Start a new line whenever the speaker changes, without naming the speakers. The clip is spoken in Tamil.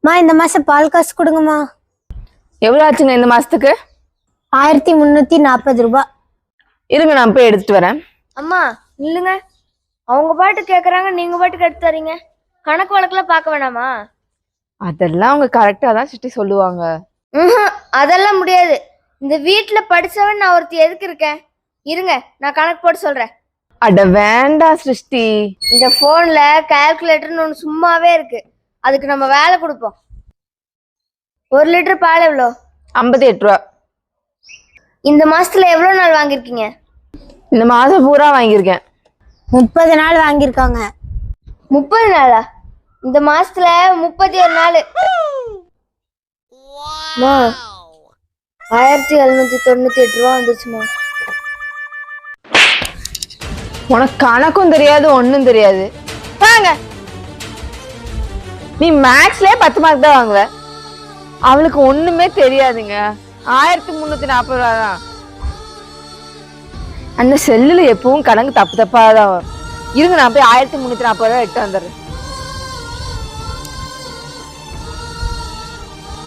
இந்த மாசம் பால் காசு கொடுங்கம்மா.
எவ்வளவு ஆச்சுங்க இந்த மாசத்துக்கு?
1340 ரூபாய்.
இருங்க நான் போய் எடுத்துட்டு வரேன்.
அம்மா நில்லுங்க. அவங்க பாட்டு கேக்குறாங்க, நீங்க பாட்டுக்கு எடுத்து தரீங்க. கணக்கு வழக்கெல்லாம் பார்க்க வேணாமா?
அதெல்லாம் அவங்க கரெக்டா தான் சிட்டி சொல்லுவாங்க.
அதெல்லாம் முடியாது. இந்த வீட்டுல படிச்சவன் நான் ஒருத்தி எதுக்கு இருக்கேன்? இருங்க நான் கணக்கு போட்டு சொல்றேன்.
அட வேண்டாம் சிருஷ்டி.
இந்த போன்ல கால்குலேட்டர்னு ஒன்று சும்மாவே இருக்கு, அதுக்கு நம்ம வேலை கொடுப்போம். 1 லிட்டர் பால் எவ்வளோ?
58 ரூபா.
இந்த மாசத்துல எவ்வளவு நாள் வாங்கிருக்கீங்க?
இந்த மாசம் பூரா வாங்கியிருக்கேன்.
30 நாள் வாங்கியிருக்காங்க.
30 நாளா? இந்த மாசத்துல 31 நாள். 1798 ரூபா வந்துருச்சுமா.
உனக்கு கணக்கும் தெரியாது ஒன்னும் தெரியாது. வாங்க, நீ மேக்ஸ்லயே 10 மார்க் தான் வாங்குவ. அவளுக்கு ஒண்ணுமே தெரியாதுங்க. 1340 ரூபா தான். அந்த செல்லுல எப்பவும் கணக்கு தப்பு தப்பா தான் வரும். இருங்க நான் போய் 1340 ரூபா எட்டு வந்துடுறேன்.